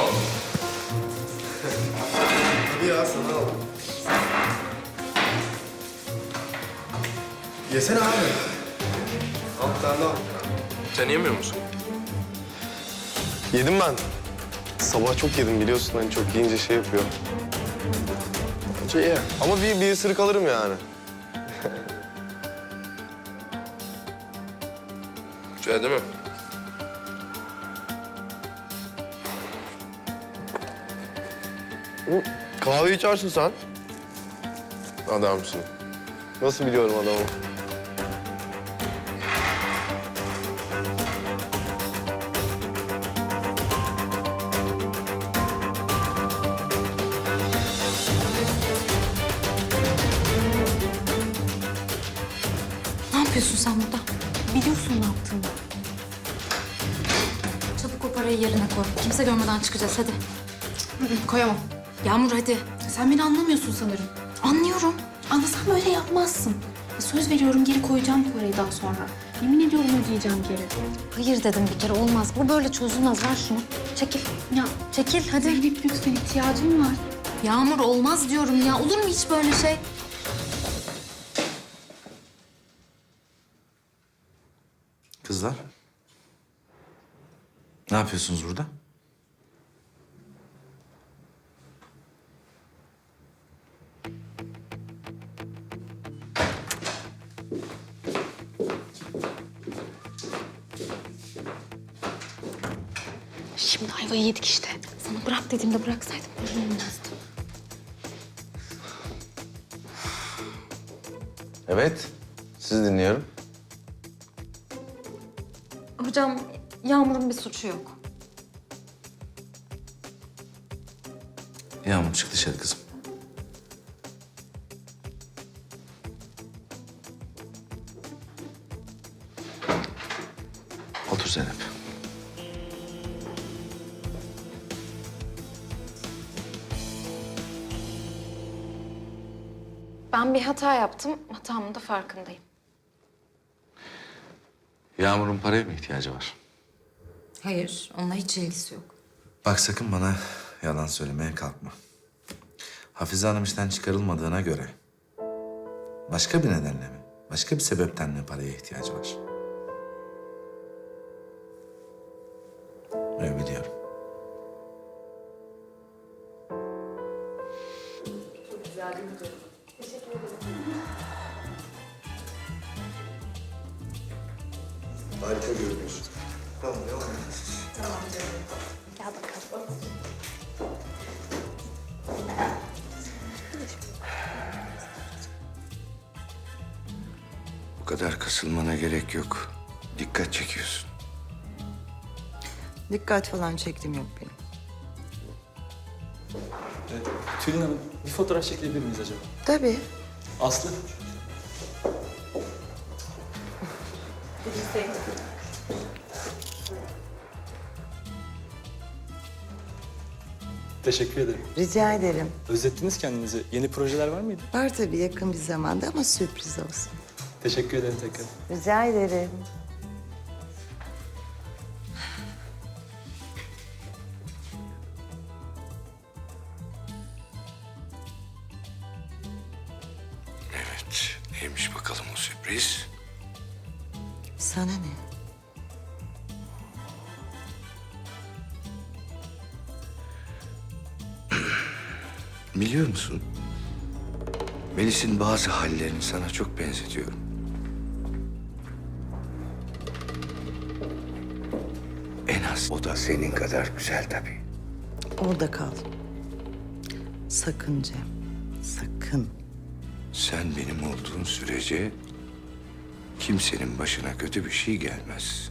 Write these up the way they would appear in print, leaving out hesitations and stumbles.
aldım. Hadi ya sana al. Yesene abi. Al bir tane daha. Sen yemiyor musun? Yedim ben. Sabah çok yedim biliyorsun hani çok yiyince şey yapıyor. Şey, ama bir ısırık alırım yani. Güzel değil mi? Kahve içersin sen. Adamsın. Nasıl biliyorum adamı? Ne yapıyorsun sen burada? Biliyorsun ne yaptığını. Çabuk o parayı yerine koy. Kimse görmeden çıkacağız hadi. Koyamam. Yağmur hadi. Sen beni anlamıyorsun sanırım. Anlıyorum. Anlasam böyle yapmazsın. Söz veriyorum geri koyacağım parayı daha sonra. Yemin ediyorum ödeyeceğim geri. Hayır dedim bir kere olmaz. Bu böyle çözülmez. Ver şunu. Çekil. Ya Çekil hadi. Zeynep lütfen ihtiyacım var. Yağmur olmaz diyorum ya. Olur mu hiç böyle şey? Kızlar. Ne yapıyorsunuz burada? Şimdi ayvayı yedik işte. Sana bırak dediğimde bıraksaydım böyle olmazdı. Evet. Sizi dinliyorum. Hocam Yağmur'un bir suçu yok. Yağmur çık dışarı kızım. Otur Zeynep. Ben bir hata yaptım. Hatamın da farkındayım. Yağmur'un paraya mı ihtiyacı var? Hayır, onunla hiç ilgisi yok. Bak sakın bana yalan söylemeye kalkma. Hafize Hanım işten çıkarılmadığına göre... başka bir nedenle mi? Başka bir sebepten mi paraya ihtiyacı var? Evet biliyorum. Harika görünüyorsun. Tamam devam et. Gel bakalım. Bu kadar kasılmana gerek yok. Dikkat çekiyorsun. Dikkat falan çektim yok benim. Tülin Hanım, bir fotoğraf çekilebilir miyiz acaba? Tabii. Aslı. Teşekkür ederim. Rica ederim. Özlettiniz kendinizi. Yeni projeler var mıydı? Var tabii yakın bir zamanda ama sürpriz olsun. Teşekkür ederim tekrar. Rica ederim. Evet. Neymiş bakalım o sürpriz? Sana ne? Biliyor musun? Melis'in bazı hallerini sana çok benzetiyorum. En az o da senin kadar güzel tabii. Orada kal. Sakın Cem. Sakın. Sen benim olduğun sürece kimsenin başına kötü bir şey gelmez.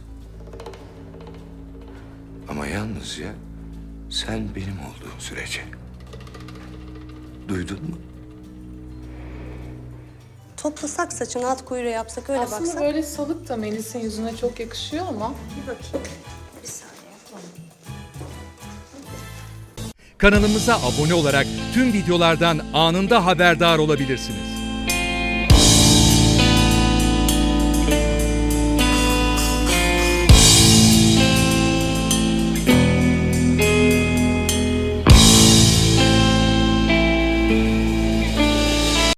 Ama yalnızca sen benim olduğun sürece. Duydun mu? Toplasak saçını at kuyruğu yapsak öyle Aslında baksak. böyle salık da Melis'in yüzüne çok yakışıyor ama. Bir bakayım. Bir saniye. Kanalımıza abone olarak tüm videolardan anında haberdar olabilirsiniz.